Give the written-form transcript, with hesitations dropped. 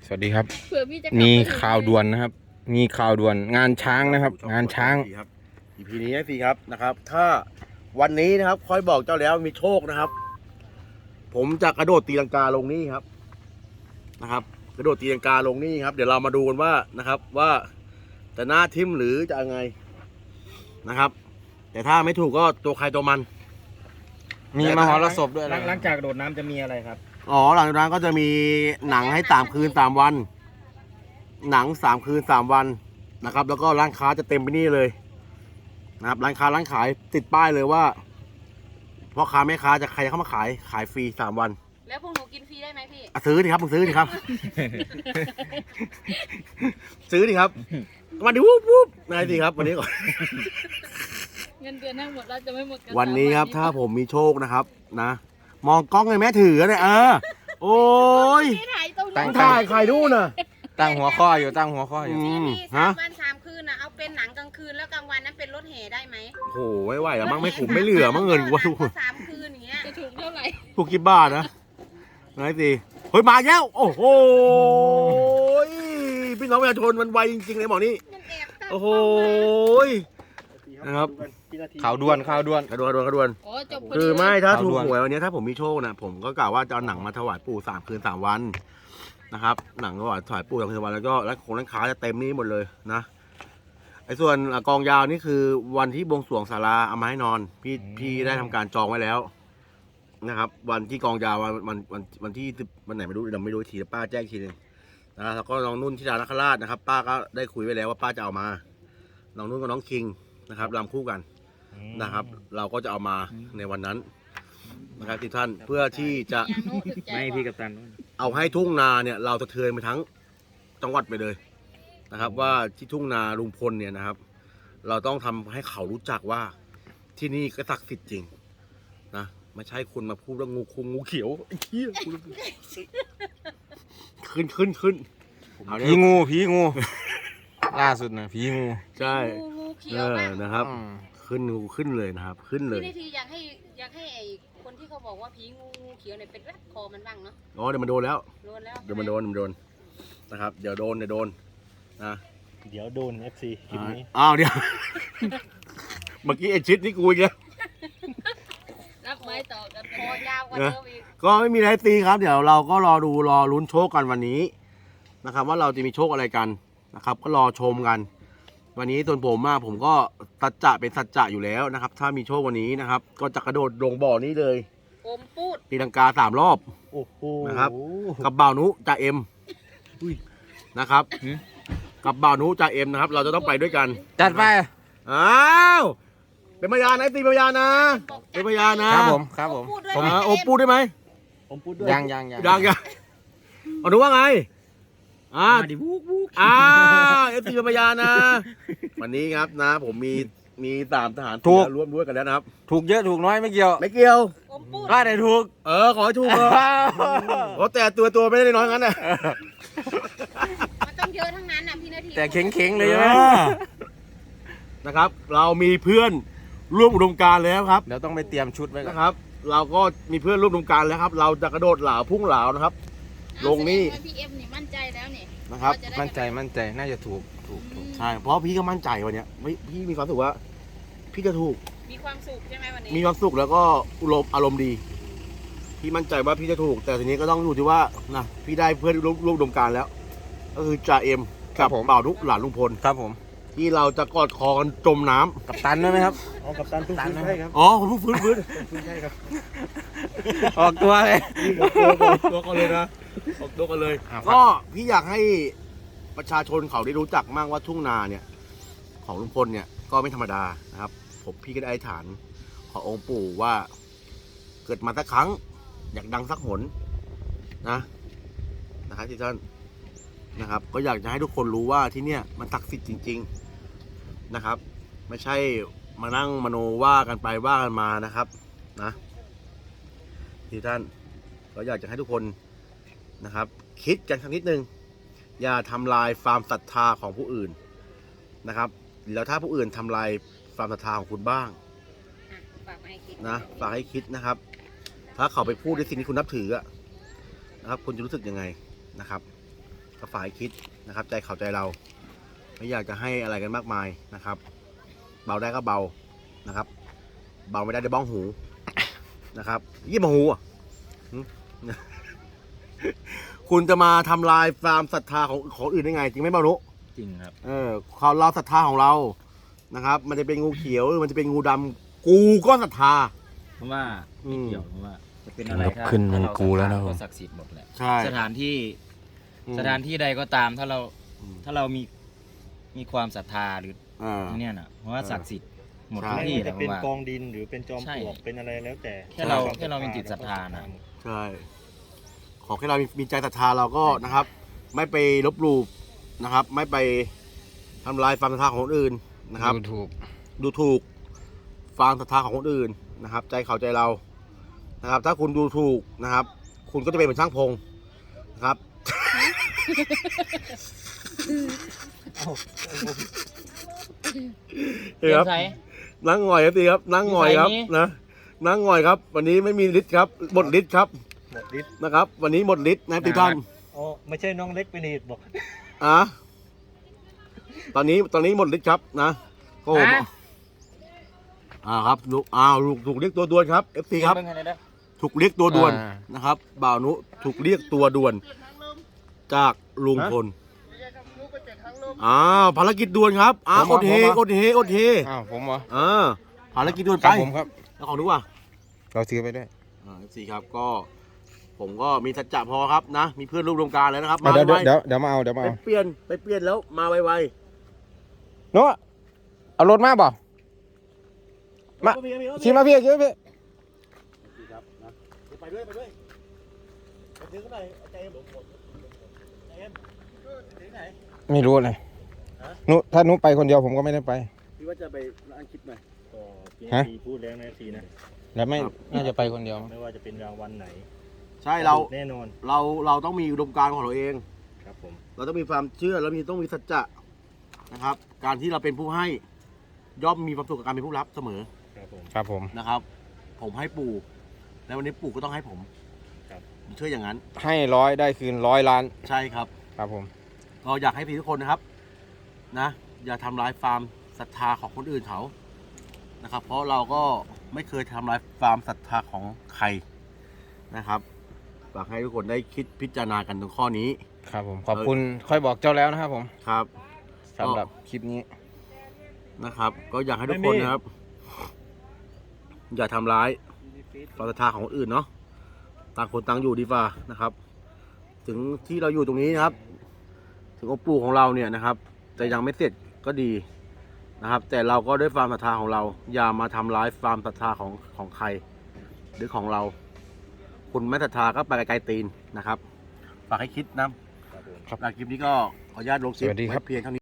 สวัสดีครับเผื่อพี่จะมีข่าวด่วนนะครับ มีข่าวด่วนงานช้างนะครับ งานช้างครับ EP นี้ให้ฟรีครับนะครับ ถ้าวันนี้นะครับค่อยบอกเจ้าแล้วมีโชคนะครับ ผมจะกระโดดตีลังกาลงนี่ครับนะครับ กระโดดตีลังกาลงนี่ครับ เดี๋ยวเรามาดูกันว่านะครับว่าจะหน้าทิ่มหรือจะยังไงนะครับ แต่ถ้าไม่ถูกก็ตัวใครตัวมันมีมหรสพด้วยนะหลังจากโดดน้ำจะมีอะไรครับอ๋อหลังจากนั้นก็จะมีหนังให้3 คืน 3 วัน หนัง3 คืน 3 วันนะครับ แล้วก็ร้านค้าจะเต็มไปนี่เลยนะครับร้านค้าร้านขายติดป้ายเลยว่าพ่อค้าแม่ค้าจะใครเข้ามาขายฟรี3 วันแล้วพวกหนูกินฟรีได้ไหมพี่อ่ะซื้อดิครับมึงซื้อดิครับ ซื้อดิครับมาดิวูบวูบนายสิครับวันนี้ก่อนเงินเดือนทั้งหมดเราจะไม่หมดกันวันนี้ครับถ้าผมมีโชคนะครับนะมองกล้องเลยแม่ถือเนี่ยโอ้ยพี่ถ่ายตรงตั้นี้งถ่ายใครดูน่ะตั้งหัวข้ออยู่ตั้งหัวข้ออยู่พี่ฮะ 3 วัน 3 คืนนะเอาเป็นหนังกลางคืนแล้วกลางวันนั้นเป็นรถแห่ได้ไหมโอ้โหไม่ไหวแล้วมั้งไม่ขุมไม่เหลือมั้งเงินกูว่าทุก 3 คืนอย่างเงี้ยจะถูกเท่าไหร่ถูกกี่บาทนะนายสิเฮ้ยมาแล้วโอ้โหพี่น้องประชาชนมันไวจริงๆเลยหมอนี่มันแอบตั้งโอ้โหกล้องนะครับข่าวด่วนข่าวด่วนกระดวนโอ้จบพอคืดีอไม่ถ้าข่าวถูกด่วนหวยวันนี้ถ้าผมมีโชคนะผมก็กล่าวว่าจะเอาหนังมาถวายปู่3 คืน 3 วันนะครับหนังถวายปู่3 คืน 3 วันแล้วก็ร้านค้าจะเต็มนี่หมดเลยนะไอ้ส่วนกองยาวนี่คือวันที่บวงสรวงศาลาเอามาให้นอนพี่ได้ทำการจองไว้แล้วนะครับ วันที่กองยาววันที่วันไหนไม่รู้เราไม่รู้ทีป้าแจ้งทีนึงนะแล้วก็น้องนุ่นที่ดาวนคราชนะครับ ป้าก็ได้คุยไว้แล้วว่าป้าจะเอามาน้องนุ่นกับน้องคิงนะครับรำคู่กันนะครับ เราก็จะเอามาในวันนั้นนะครับที่ท่านเพื่อที่จะอย่างโน้ถึกใจไม่พี่กัปตันเอาให้ทุ่งนาเนี่ยเราสะเทือนไปทั้งจังหวัดไปเลยนะครับ ว่าที่ทุ่งนาลุงพลเนี่ยนะครับ เราต้องทำให้เขารู้จักว่าที่นี่ก็ศักดิ์สิทธิ์จริงนะไม่ใช่คุณมาพูดว่างูคงงูเขียวไอ้เหี้ยขึ้นเอาผีงูผีงู ล่าสุดนะผีงูใช่งูเขียวมากนะครับอืมขึ้นงูขึ้นเลยนะครับ ขึ้นเลยพี่นาทีอยากให้ไอ้คนที่เขาบอกว่าผีงูเขียวเนี่ยเป็นรัดคอมันบ้างเนาะอ๋อเดี๋ยวมันโดนแล้วโดนแล้วเดี๋ยวมันโดนนะครับ เดี๋ยวโดนนะเดี๋ยวโดน FC คลิปนี้อ้าวเดี๋ยว เมื่อกี้ไอชิดนี่กูอีกแล้วรับไม้ต่อกันคอยาวกว่าเดิมอีกก็ไม่มีอะไรตีครับ เดี๋ยวเราก็รอลุ้นโชคกันวันนี้นะครับ ว่าเราจะมีโชคอะไรกันนะครับ ก็รอชมกัน วันนี้ส่วนผมก็สัจจะเป็นสัจจะอยู่แล้วนะครับ ถ้ามีโชควันนี้นะครับ ก็จะกระโดดลงบ่อนี้เลยอมปูดตีลังกา3 รอบโอ้โหนะครับ กับบ่าวนุจ่าเอ็มนะครับ กับบ่าวนุจ่าเอ็มนะครับ เราจะต้องไปด้วยกันจัดไปอ้าวเป็นพยานนะตีพยานนะเป็นพยานนะครับผมครับผมพูดด้วยโอ้ปูดได้ไหมผมพูดด้วยยังยังเอาดูว่าไงมาดิวูกวูกเอฟซีเป็นพยานนะ วันนี้ครับนะ ผมมี3 ทหารถูกร่วมด้วยกันแล้วนะครับถูกเยอะถูกน้อยไม่เกี่ยวไม่เกี่ยวอมปูดก็ได้ถูกขอให้ถูกเถอะเพราะแต่ตัวไม่ได้น้อยงั้นนะมันต้องเยอะทั้งนั้นน่ะพี่นาทีแต่เข็งๆเลยใช่ไหมนะครับ เรามีเพื่อนร่วมอุดมการณ์แล้วครับเดี๋ยวต้องไปเตรียมชุดไว้ก่อนนะครับ เราก็มีเพื่อนร่วมอุดมการณ์แล้วครับ เราจะกระโดดเหลาพุ่งเหลานะครับ ลงนี่พี่เอ็มนี่มั่นใจแล้วนี่นะครับมั่นใจน่าจะถูกใช่เพราะพี่ก็มั่นใจวันเนี้ยพี่มีความรู้สึกว่า พี่จะถูกมีความสุขใช่ไหมวันนี้มีความสุขแล้วก็อารมณ์ดี พี่มั่นใจว่าพี่จะถูก แต่ทีนี้ก็ต้องดูที่ว่านะพี่ได้เพื่อนร่วมอุดมการณ์แล้ว ก็คือจ่าเอ็มกับบ่าวนุหลานลุงพลครับผมที่เราจะกอดคอกันจมน้ำกับตันด้วยไหมครับเอากัปตันตุ้งตันฟื้นนะใช่ครับอ๋อผมเพิ่งฟื้นฟื้นใช่ครับออกตัวเลยตัวกันเลยนะออกตัวกันเลยครับก็พี่อยากให้ประชาชนเขาได้รู้จักมากว่าทุ่งนาเนี่ย ของลุงพลเนี่ยก็ไม่ธรรมดานะครับ พี่ก็ได้อธิษฐานขอองค์ปู่ว่า เกิดมาสักครั้ง อยากดังสักหนนะครับที่ท่านนะครับ ก็อยากจะให้ทุกคนรู้ว่าที่เนี่ยมันศักดิ์สิทธิ์จริง ๆนะครับ ไม่ใช่มานั่งมโนว่ากันไปว่ากันมานะครับนะที่ท่านก็อยากจะให้ทุกคนนะครับ คิดกันสักนิดนึงอย่าทำลายความศรัทธาของผู้อื่นนะครับ แล้วถ้าผู้อื่นทำลายความศรัทธาของคุณบ้างฝากมาให้คิดนะฝากให้คิดนะครับ ถ้าเขาไปพูดในสิ่งที่คุณนับถืออะนะครับ คุณจะรู้สึกยังไงนะครับ ก็ก็ฝากให้คิดนะครับ ใจเขาใจเรา ไม่อยากจะให้อะไรกันมากมายนะครับ เบาได้ก็เบานะครับ เบาไม่ได้ได้บ้องหูนะครับยี่บ้องหูอ่ะหึ คุณจะมาทำลายฟาร์มศรัทธาของอื่นได้ไง จริงไหมเบานุจริงครับเราศรัทธาของเรานะครับ มันจะเป็นงูเขียวหรือมันจะเป็นงูดำกูก็ศรัทธาเพราะว่าอืมเกี่ยวเพราะว่าจะเป็นอะไรครับขึ้นมันกูแล้วนะก็ศักดิ์สิทธิ์หมดแหละใช่สถานที่อืมสถานที่ใดก็ตามถ้าเราอืมถ้าเรามีความศรัทธาหรืออ่าเนี่ยน่ะเพราะว่าศักดิ์สิทธิ์หมดใช่ทุกไม่ที่ว่าแหจะละผเป็นมว่ากองดินหรือเป็นจอมใช่ปลวกเป็นอะไรแล้วแต่แค่เรามีจิตศรัทธานะใช่ ขอแค่เรามีใจศรัทธาเราก็นะครับ ไม่ไปลบหลู่นะครับ ไม่ไปทำลายความศรัทธาของคนอื่นนะครับดูถูกดูถูกฟังศรัทธาของคนอื่นนะครับ ใจเขาใจเรานะครับ ถ้าคุณดูถูกนะครับ คุณก็จะเป็นเหมือนช่างพงนะครับเตรียมใส่นั่งหงอยครับดีครับ นั่งหงอยครับมีไฟนี้นะนั่งหงอยครับ วันนี้ไม่มีฤทธิ์ครับหมดฤทธิ์ครับหมดฤทธิ์นะครับ วันนี้หมดฤทธิ์นะครับทุกท่านอ๋อไม่ใช่น้องเล็กเป็นเหตุบอกอ่ะตอนนี้หมดฤทธิ์ครับนะก็ผมอ่ะครับลูกลูกถูกเรียกตัวด่วนครับ FC ครับเบิ่งให้หน่อยเด้อถูกเรียกตัวด่วนอ่านะครับบ่าวนุถูกเรียกตัวด่วน จากลุงพลภารกิจด่วนครับอดเฮอดเฮอดเฮอ้าวผมเหรอภารกิจด่วนคไปรับผมครับแล้วของนุว่ะเราซื้อไปด้วย FC ครับก็ผมก็มีสัจจะพอครับนะ มีเพื่อนร่วมวงการแล้วนะครับเดี๋ยวไวเดี๋ยวมาเอาเดี๋ยวๆมาไปเอาเปลี่ยนแล้วมาไวโน้ตเอารถมาเปล่าๆมา ชิมมาพี่ชิมมาพี่ครับนะไปด้วยไปด้วยไปซื้อกันหน่อยใจเอ็มใจเอ็มซื้อไหนไม่รู้เลยฮะถ้านุไปคนเดียวผมก็ไม่ได้ไปพี่ว่าจะไปร้านคลิปหน่อยก็พี่ฮะพูดแล้วนะทีนะแล้วไม่ครับน่าจะไปคนเดียวไม่ว่าจะเป็นรางวัลไหนใช่เราแน่นอนเราต้องมีอุดมการณ์ของเราเองครับผมเราต้องมีความเชื่อแล้วต้องมีสัจจะนะครับ การที่เราเป็นผู้ให้ย่อมมีความสุขกับการเป็นผู้รับเสมอครับผมครับผมนะครับ ผมให้ปู่แล้ววันนี้ปู่ก็ต้องให้ผมครับผมเชื่ออย่างนั้นให้100ได้คืน100 ล้านใช่ครับครับผมเราอยากให้พี่ทุกคนนะครับนะอย่าทำลายฟาร์มศรัทธาของคนอื่นเขานะครับ เพราะเราก็ไม่เคยทำลายฟาร์มศรัทธาของใครนะครับฝากให้ทุกคนได้คิดพิจารณากันตรงข้อนี้ครับผม ขอบคุณค่อยบอกเจ้าแล้วนะครับผมครับสำหรับคลิปนี้นะครับ ก็อยากให้ทุกคนนะครับ อย่าทำร้ายความศรัทธาของคนอื่นเนาะต่างคนต่างอยู่ดีกว่านะครับ ถึงที่เราอยู่ตรงนี้นะครับ ถึงองค์ปู่ของเราเนี่ยนะครับจะยังไม่เสร็จก็ดีนะครับ แต่เราก็ด้วยความศรัทธาของเรา อย่ามาทำร้ายความศรัทธาของใคร หรือของเรา คุณไม่ศรัทธาก็ไปไกลๆตีนนะครับฝากให้คิดนะครับผมคลิปนี้ก็ขออนุญาตลงคลิปสวัสดีครับไว้เพียงเท่านี้